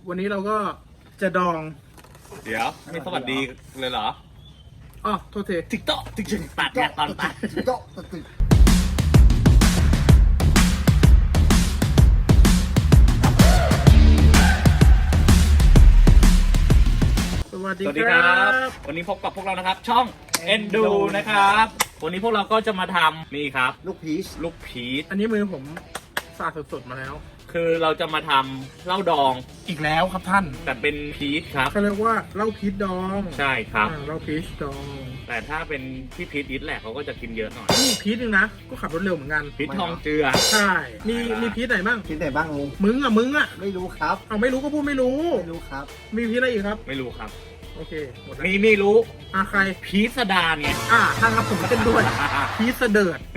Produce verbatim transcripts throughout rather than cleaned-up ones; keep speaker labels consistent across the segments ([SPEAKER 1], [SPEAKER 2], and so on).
[SPEAKER 1] วันนี้เราก็จะดอง
[SPEAKER 2] เดี๋ยวไม่สวัสดีเลยเหรอ
[SPEAKER 1] อ๋อโทษที
[SPEAKER 2] ติ๊กโต๊ะติ๊กจึงตัดเนี่ยตอนตัด
[SPEAKER 3] โจ๊ะตึก
[SPEAKER 1] สวัสดี
[SPEAKER 2] สวัสดี
[SPEAKER 1] ค
[SPEAKER 2] ค
[SPEAKER 1] รั
[SPEAKER 2] รับ
[SPEAKER 1] บ
[SPEAKER 2] วันนี้พบกับพวกเรานะครับ ช่องเอ็นดูนะครับ วันนี้พวกเราก็จะมาทำนี่ครับ
[SPEAKER 3] ลูกพีช
[SPEAKER 2] ลูกพีช
[SPEAKER 1] อันนี้มือผมสะอาดสดๆมาแล้ว
[SPEAKER 2] คือเราจะมาทำเหล้าดอง
[SPEAKER 1] อีกแล้วครับท่าน
[SPEAKER 2] แต่เป็นพีชครับ
[SPEAKER 1] เขาเรียกว่าเหล้าพีชดอง
[SPEAKER 2] ใช่ครับ
[SPEAKER 1] อ่าเหล้าพีชดอง
[SPEAKER 2] แต่ถ้าเป็นพี่พีชอิทแหละเขาก็จะกินเยอะหน่อย
[SPEAKER 1] นี่พีชนึงนะก็ขับรถเร็วเหมือนกัน
[SPEAKER 2] พีชทองเจือ
[SPEAKER 1] ใช่มีมีพีชไหนบ้าง
[SPEAKER 3] พีชไหนบ้างลุง
[SPEAKER 1] มึงอ่ะมึงอ่ะ
[SPEAKER 3] ไม่รู้ครับ
[SPEAKER 1] เอาไม่รู้ก็พูดไม่รู้
[SPEAKER 3] ไม่รู้ครับ
[SPEAKER 1] มีพีชอะไรอีกครับ
[SPEAKER 2] ไม่รู้ครับ
[SPEAKER 1] โอเคหมดแล้ว
[SPEAKER 2] นี่นี่รู้
[SPEAKER 1] อ่ะใคร
[SPEAKER 2] พีชสดาไง
[SPEAKER 1] อ่ะทางครับผมเล่นด้วยพีชเสดิร์ด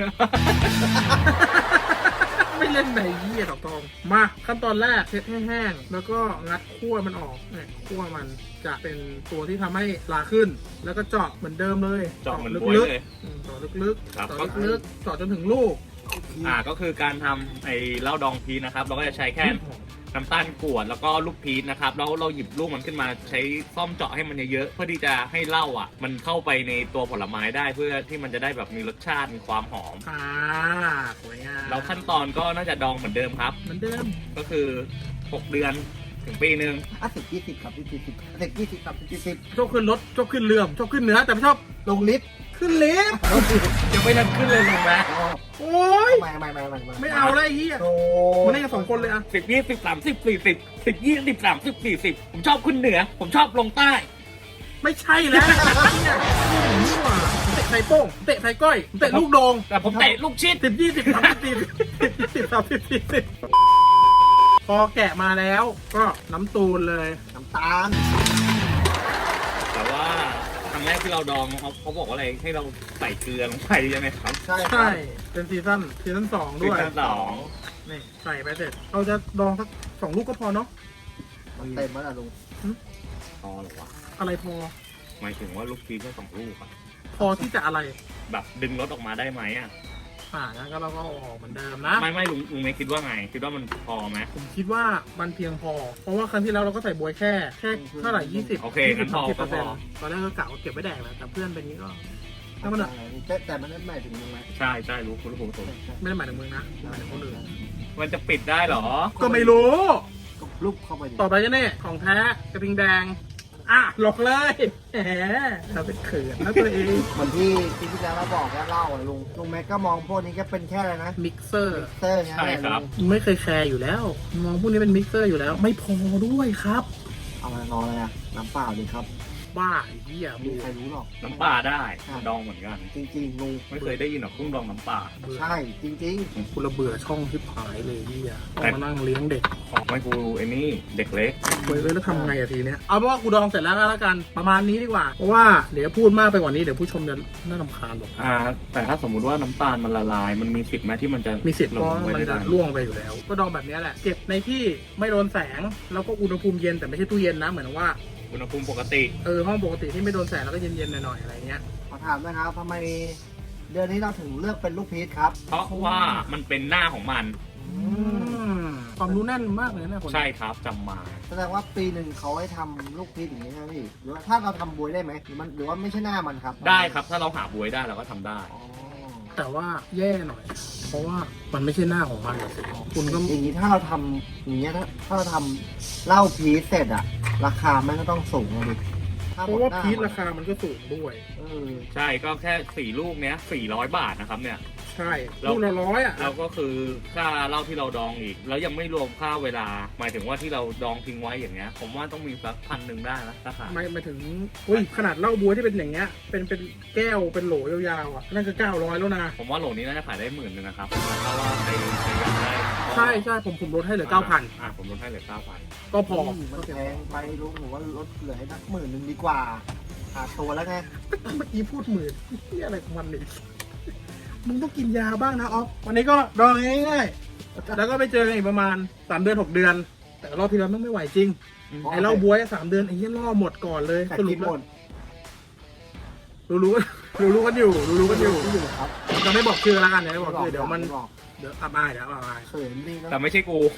[SPEAKER 1] ไม่เล่นไหนยี่ต่อตองมาขั้นตอนแรกเช็ดให้แห้งแล้วก็งัดขั้วมันออกเนี่ยขั้วมันจะเป็นตัวที่ทำให้ลาขึ้น แล้วก็เจาะเหมือนเดิมเลย
[SPEAKER 2] เจาะเหมือน
[SPEAKER 1] ลึ
[SPEAKER 2] บ๊วย
[SPEAKER 1] ก
[SPEAKER 2] เลย
[SPEAKER 1] ๆอืมเจาะลึก
[SPEAKER 2] ครับ
[SPEAKER 1] ๆเจาะลึกๆเจาะจนถึงลูก
[SPEAKER 2] อ่าก็คือการทำไอ้เหล้าดองพีชนะครับ เราก็จะใช้แค่น้ำตาลกรวดแล้วก็ลูกพีชนะครับแล้วเราหยิบลูกมันขึ้นมาใช้ซ่อมเจาะให้มันเยอะๆเพื่อที่จะให้เหล้าอ่ะ มันเข้าไปในตัวผลไม้ได้เพื่อที่มันจะได้แบบมีรสชาติมีความหอม
[SPEAKER 1] อ่าสวยงาม
[SPEAKER 2] แล้วขั้นตอนก็น่าจะดองเหมือนเดิมครับ
[SPEAKER 1] เหมือนเดิม
[SPEAKER 2] ก็คือหกเดือนถึงปีหนึ่ง
[SPEAKER 3] อ่ะสิบยี่สิบครับยี่สิบสิบยี่สิบครับยี่สิบ
[SPEAKER 1] ชอบขึ้นรถชอบขึ้นเรือชอบขึ้นเหนือแต่ไม่ชอบ
[SPEAKER 3] ลงลิฟต์
[SPEAKER 1] ขึ้นลิฟต์
[SPEAKER 2] ยังไม่ทันขึ้นเลยลงนะ
[SPEAKER 1] โอ้ย
[SPEAKER 3] ไม่ไม่ไม่ไม่
[SPEAKER 1] ไม่เอาแล้วไอ้เหี้ย
[SPEAKER 3] โอ้
[SPEAKER 1] มันได้กันสองคนเลยอะ
[SPEAKER 2] สิบยี่สิบสามสิบสี่สิบสิบยี่สิบสามสิบสี่สิบผมชอบขึ้นเหนือ ผมชอบลงใต้
[SPEAKER 1] ไม่ใช่แล้วเนี่ยนี่หว่าเตะไข่โป้งเตะไข่ก้อยเตะลูกโดง
[SPEAKER 2] แต่ผมเตะลูกชิด
[SPEAKER 1] สิบยี่สิบสามสิบสี่สิบสิบสามสิบสี่สิบพอแกะมาแล้วก็น้ำตูนเลย
[SPEAKER 3] น้ำตาล
[SPEAKER 2] แต่ว่าครั้งแรกที่เราดองเขาเขาบอกว่าอะไรให้เราใส่เกลือลงไปใช่ไหมครับ
[SPEAKER 3] ใช่ครั
[SPEAKER 1] ใช่
[SPEAKER 3] บ
[SPEAKER 1] เป็นซีซั่นซีซั่นสอง
[SPEAKER 2] ซี
[SPEAKER 1] ด้วย
[SPEAKER 2] ซั่นสอง
[SPEAKER 1] นี่ใส่ไปเสร็จเราจะดองสักสองลูกก็พอเนาะ
[SPEAKER 3] มันเต็มแล้วล่ะลุง
[SPEAKER 2] พอหรอวะ
[SPEAKER 1] อะไรพอ
[SPEAKER 2] หมายถึงว่าลูกพีชแค่สองลูกอะ
[SPEAKER 1] พอที่จะอะไร
[SPEAKER 2] แบบดึงรถออกมาได้ไหมอ่ะ
[SPEAKER 1] อ่างั้นก็เราก็เอาออกเหมือนเดิมนะ
[SPEAKER 2] ไม่ไม่ลุงลุงไม่คิดว่าไง คิดว่ามันพอไหม
[SPEAKER 1] ผมคิดว่ามันเพียงพอ เพราะว่าครั้งที่แล้วเราก็ใส่บวยแค่แค่เท่าไหร่ยี่สิบ
[SPEAKER 2] โอเค
[SPEAKER 1] ยี่สิ
[SPEAKER 2] งั้
[SPEAKER 1] บ
[SPEAKER 2] นพ
[SPEAKER 1] สา
[SPEAKER 2] อ
[SPEAKER 1] มสิบเป
[SPEAKER 2] ก็
[SPEAKER 1] อร์
[SPEAKER 2] พ
[SPEAKER 1] เซ็น
[SPEAKER 2] อ
[SPEAKER 1] ต์ตอนแรกก็กะว่าเก็บไว้แดกแหละแต่เพื่อนเป็นนี้ก็ถ้ามันอะ
[SPEAKER 3] แต่แต่มันไม่หมายถึงลุงไหม
[SPEAKER 2] ใช่ใช่รู้คุณรู้ผม
[SPEAKER 1] ไม่ได้หมายถึงมึงนะหมายถึงคนอื่น
[SPEAKER 2] มันจะปิดได้เหรอ
[SPEAKER 1] ก็ไม่รู้
[SPEAKER 3] ก็ลุกเข้าไปดิ
[SPEAKER 1] ต่อไปก็เนี่ยของแท้กระทิงแดง อ่ะหลอกเลยแหมเราเป็นเขินนะตัวเอง
[SPEAKER 3] เหมือนที่ที่ที่แล้วเราบอกแล้วเล่าอะลุงลุงแม็กก็มองพวกนี้ก็เป็นแค่อะไรนะ
[SPEAKER 1] มิกเซอร์
[SPEAKER 3] เตอร์ไง
[SPEAKER 2] ใช่ครับ
[SPEAKER 3] ลุง
[SPEAKER 1] ไม่เคยแคร์อยู่แล้ว มองพวกนี้เป็นมิกเซอร์อยู่แล้ว ไม่พอด้วยครับ
[SPEAKER 3] เอามานอนเลยอะน้ำเปล่าดิครับ
[SPEAKER 1] บ้าไอ้เหี้ย
[SPEAKER 3] ไม่
[SPEAKER 1] บู
[SPEAKER 3] มีใครรู้หรอก
[SPEAKER 2] น้ำปลาได้ดองเหมือนกัน
[SPEAKER 3] จริงๆลุง
[SPEAKER 2] ไม่เคยได้ยินหรอกกุ้งดองน้ำปลา
[SPEAKER 3] ใช่จริง
[SPEAKER 1] กูระเบื่อช่องที่ผายเลยเหี้ยต้องมานั่งเลี้ยงเด็ก
[SPEAKER 2] ของไม่กูไอ้นี่เด็กเล็ก
[SPEAKER 1] เว้ยแล้วทำไงอะทีเนี้ยเอาเป็นว่ากูดองเสร็จแล้วก็แล้วกันประมาณนี้ดีกว่าเพราะว่าเดี๋ยวพูดมากไปกว่านี้เดี๋ยวผู้ชมจะน่ารำคาญบอก
[SPEAKER 2] อ่า แต่ถ้าสมมุติว่าน้ำตาลมันละลาย มันมีสิทธิ์ไหมที่มันจะ
[SPEAKER 1] มีสิทธิ์เพ
[SPEAKER 2] ลง
[SPEAKER 1] ราะ
[SPEAKER 2] ไป
[SPEAKER 1] มัน
[SPEAKER 2] ได้
[SPEAKER 1] จะ
[SPEAKER 2] ไหม
[SPEAKER 1] ร่วงไปอยู่แล้ว ก็ดองแบบนี้แหละเก็บในที่ไม่โดนแสงแล้วก็อุณหภูมิเย็นแต่ไม่ใช่ตู้เย็นนะเหมือนว่า
[SPEAKER 2] อุณหภูมิปกติ
[SPEAKER 1] เออห้องปกติที่ไม่โดนแสงแล้วก็เย็นๆหน่อยๆอะไรเงี้ย
[SPEAKER 3] ๆขอถามนะครับทำไมเดือนนี้เราถึงเลือกเป็นลูกพีชครับ
[SPEAKER 2] เพราะว่ามันเป็นหน้าของมัน
[SPEAKER 1] อืมความรู้แน่นมากเลยนะคน
[SPEAKER 2] ใช่ครับจำมา
[SPEAKER 3] แสดงว่าปีหนึ่งเขาให้ทำลูกพีชอย่างนี้ใช่ไหมพี่หรือว่าถ้าเราทำบวยได้ไหมหรือมันหรือว่าไม่ใช่หน้ามันครับ
[SPEAKER 2] ได้ครับ ถ้าเราหาบวยได้เราก็ทำได้
[SPEAKER 3] อ๋อ
[SPEAKER 1] แต่ว่าแย่หน่อย เพราะว่ามันไม่ใช่หน้าของมันอะสิคุณก็
[SPEAKER 3] อย่างนี้ถ้าเราทำอย่างเงี้ยถ้าถ้าเราทำเหล้าพีชเสร็จอะราคามันก็ต้องสูงเลยถ้
[SPEAKER 1] เพราะว่า
[SPEAKER 3] หมดหน้
[SPEAKER 1] พีช
[SPEAKER 3] มัน
[SPEAKER 1] ราคามันก็สูงด้วย
[SPEAKER 3] เออ
[SPEAKER 2] ใช่ก็แค่สี่ลูกเนี้ยสี่ร้อยบาทนะครับเนี่ย
[SPEAKER 1] ใช่
[SPEAKER 2] แล้ว
[SPEAKER 1] ลูกละร้อยอ่ะ
[SPEAKER 2] แล้วก็คือค่าเหล้าที่เราดองอีก แล้วยังไม่รวมค่าเวลา หมายถึงว่าที่เราดองทิ้งไว้อย่างเงี้ย ผมว่าต้องมีสักพันหนึ่งได้นะราคา
[SPEAKER 1] ไม่ไม่ถึงอุ้ยขนาดเหล้าบัวที่เป็นอย่างเงี้ยเป็นเป็นแก้วเป็นโหลยาวๆอ่ะนั่นก็เก้าร้อยแล้วนะ
[SPEAKER 2] ผมว่าโหลนี้น่าจะขายได้หมื่นหนึงนะครับถ้าว่าใครใครอยากได้
[SPEAKER 1] ใช่ใช่ผมผมลดให้เหลือเก้าพัน
[SPEAKER 2] อ่าผมลดให้เหลือเก้าพัน
[SPEAKER 1] ก็พอ
[SPEAKER 3] มมันแพงไปลุงผมว่าลดเหลือให้นักหมื่นหนึ่งดีกว่าขาดตัวแล้วไง
[SPEAKER 1] เมื่อกี้พูดหมื่นนี่อะไรของมันเนี่ยมึงต้องกินยาบ้างนะออฟวันนี้ก็ดองง่ายๆแล้วก็ไปเจอกันอีกประมาณสามเดือนหกเดือน แต่รอบที่แล้วไม่ไหวจริงไอ้เหล้าบัวสามเดือนไอ้เหี้ยล่อหมดก่อนเลย
[SPEAKER 3] แต่
[SPEAKER 1] สรุ
[SPEAKER 3] คิ
[SPEAKER 1] ป
[SPEAKER 3] ด
[SPEAKER 1] แล้
[SPEAKER 3] หม
[SPEAKER 1] ว
[SPEAKER 3] ด
[SPEAKER 1] รู้รู้รู้รู้กันอยู่รู้รู้กันอยู่
[SPEAKER 3] อยู่ครับ
[SPEAKER 1] จะไม่บอกชื่อแล้วกันเดี๋ยวไม่บอกชื่อเดี๋ยวมัน
[SPEAKER 3] ไบอก
[SPEAKER 1] เดี๋ยวอับอายเดี๋ยวอับอาย
[SPEAKER 3] เขินนี่นะ
[SPEAKER 2] แต่ไม่ใช่กู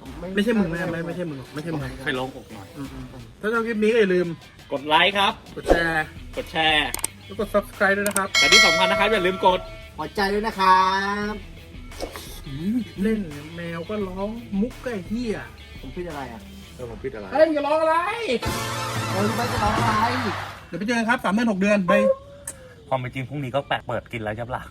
[SPEAKER 1] ไม่ใช่มึงไม่ไม่ไม่ใช่มึงหรอกไม่ใช่มึง
[SPEAKER 2] ไปลงอกหน่อย
[SPEAKER 1] อืมอืมอืมถ้าชอบคลิปนี้ก็อย่าลืม
[SPEAKER 2] กดไลค์ครับ
[SPEAKER 1] กดแชร์
[SPEAKER 2] กดแชร์
[SPEAKER 1] แล้วกด subscribe ด้วยนะครับ
[SPEAKER 2] แต่ที่สำคัญนะครับอย่าลืมกด
[SPEAKER 3] หัวใจด้วยนะครับ
[SPEAKER 1] เล่นแมวก็ร้องมุกก็ไอ้เหี้ย
[SPEAKER 3] ผมพิดอะไรอ่ะ
[SPEAKER 2] เออผมปิดอะไร
[SPEAKER 1] เฮ้ยอย่าร้องอะไร
[SPEAKER 3] เออไม่จะร้องอะไร
[SPEAKER 1] เดี๋ยวไปเจอกันครับสามเดือนหกเดือนไป
[SPEAKER 2] ความเป็นจริงพรุ่งนี้ก็แปะเปิดกินแล้วใช่ปะล่ะ